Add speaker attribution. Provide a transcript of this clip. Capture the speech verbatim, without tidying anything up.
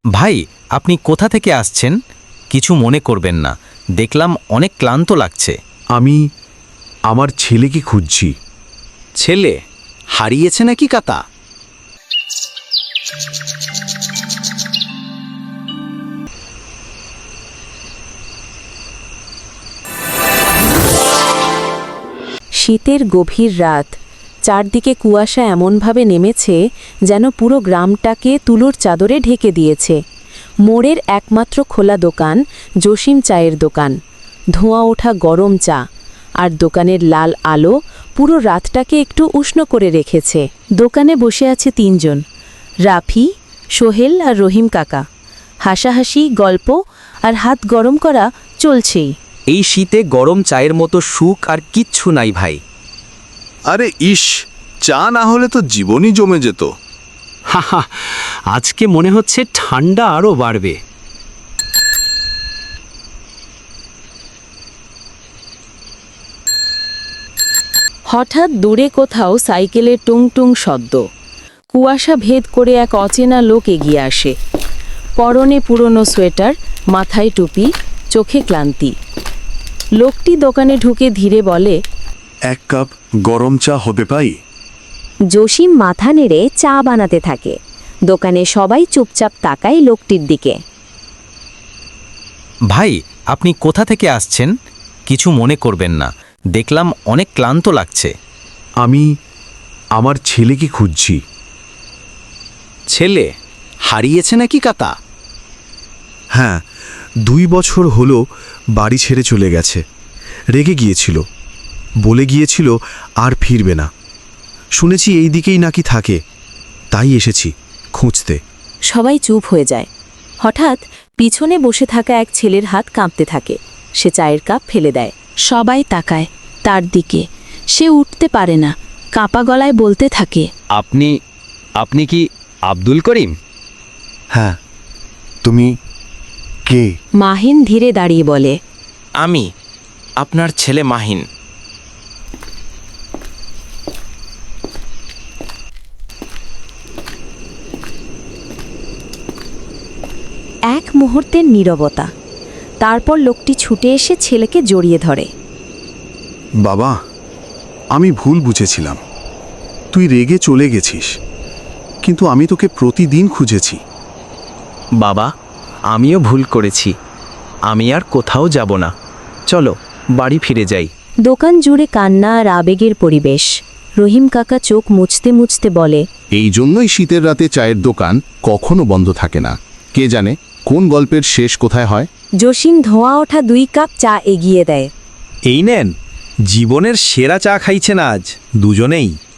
Speaker 1: ভাই, আপনি কোথা থেকে আসছেন? কিছু মনে করবেন না, দেখলাম অনেক ক্লান্ত লাগছে।
Speaker 2: আমি আমার ছেলেকে খুঁজছি।
Speaker 3: ছেলে হারিয়েছে নাকি কাতা?
Speaker 4: শীতের গভীর রাত, চারদিকে কুয়াশা এমনভাবে নেমেছে যেন পুরো গ্রামটাকে তুলোর চাদরে ঢেকে দিয়েছে। মোড়ের একমাত্র খোলা দোকান জসিম চায়ের দোকান। ধোঁয়া ওঠা গরম চা আর দোকানের লাল আলো পুরো রাতটাকে একটু উষ্ণ করে রেখেছে। দোকানে বসে আছে তিনজন, রাফি, সোহেল আর রহিম কাকা। হাসাহাসি, গল্প আর হাত গরম করা চলছেই।
Speaker 3: এই শীতে গরম চায়ের মতো সুখ আর কিচ্ছু নাই ভাই।
Speaker 2: আরে ইস, চা না হলে তো জীবনই জমে যেত।
Speaker 5: হাহা, আজকে মনে হচ্ছে ঠান্ডা আরও বাড়বে।
Speaker 4: হঠাৎ দূরে কোথাও সাইকেলের টুং টুং শব্দ। কুয়াশা ভেদ করে এক অচেনা লোক এগিয়ে আসে। পরনে পুরনো সোয়েটার, মাথায় টুপি, চোখে ক্লান্তি। লোকটি দোকানে ঢুকে ধীরে বলে,
Speaker 2: এক কাপ গরম চা হবে পাই?
Speaker 6: জসিম মাথা নেড়ে চা বানাতে থাকে। দোকানে সবাই চুপচাপ তাকায় লোকটির দিকে।
Speaker 1: ভাই, আপনি কোথা থেকে আসছেন? কিছু মনে করবেন না, দেখলাম অনেক ক্লান্ত লাগছে।
Speaker 2: আমি আমার ছেলেকে খুঁজছি।
Speaker 3: ছেলে হারিয়েছে নাকি কাতা?
Speaker 2: হ্যাঁ, দুই বছর হলো বাড়ি ছেড়ে চলে গেছে। রেগে গিয়েছিল, বলে গিয়েছিল আর ফিরবে না। শুনেছি এই দিকেই নাকি থাকে, তাই এসেছি খুঁজতে।
Speaker 4: সবাই চুপ হয়ে যায়। হঠাৎ পিছনে বসে থাকা এক ছেলের হাত কাঁপতে থাকে। সে চায়ের কাপ ফেলে দেয়। সবাই তাকায় তার দিকে। সে উঠতে পারে না, কাঁপা গলায় বলতে থাকে,
Speaker 3: আপনি আপনি কি আব্দুল করিম?
Speaker 2: হ্যাঁ, তুমি কে?
Speaker 4: মাহিন ধীরে দাঁড়িয়ে বলে,
Speaker 1: আমি আপনার ছেলে মাহিন।
Speaker 4: এক মুহূর্তের নীরবতা। তারপর লোকটি ছুটে এসে ছেলেকে জড়িয়ে ধরে।
Speaker 2: বাবা, আমি ভুল বুঝেছিলাম। তুই রেগে চলে গেছিস, কিন্তু আমি তোকে প্রতিদিন খুঁজেছি।
Speaker 3: বাবা, আমিও ভুল করেছি। আমি আর কোথাও যাব না। চলো বাড়ি ফিরে যাই।
Speaker 6: দোকান জুড়ে কান্না আর আবেগের পরিবেশ। রহিম কাকা চোখ মুছতে মুছতে বলে,
Speaker 7: এই জন্যই শীতের রাতে চায়ের দোকান কখনো বন্ধ থাকে না। কে জানে কোন গল্পের শেষ কোথায় হয়।
Speaker 6: জসিম ধোঁয়া ওঠা দুই কাপ চা এগিয়ে দেয়।
Speaker 5: এই নেন, জীবনের সেরা চা খাইছেন আজ দুজনেই।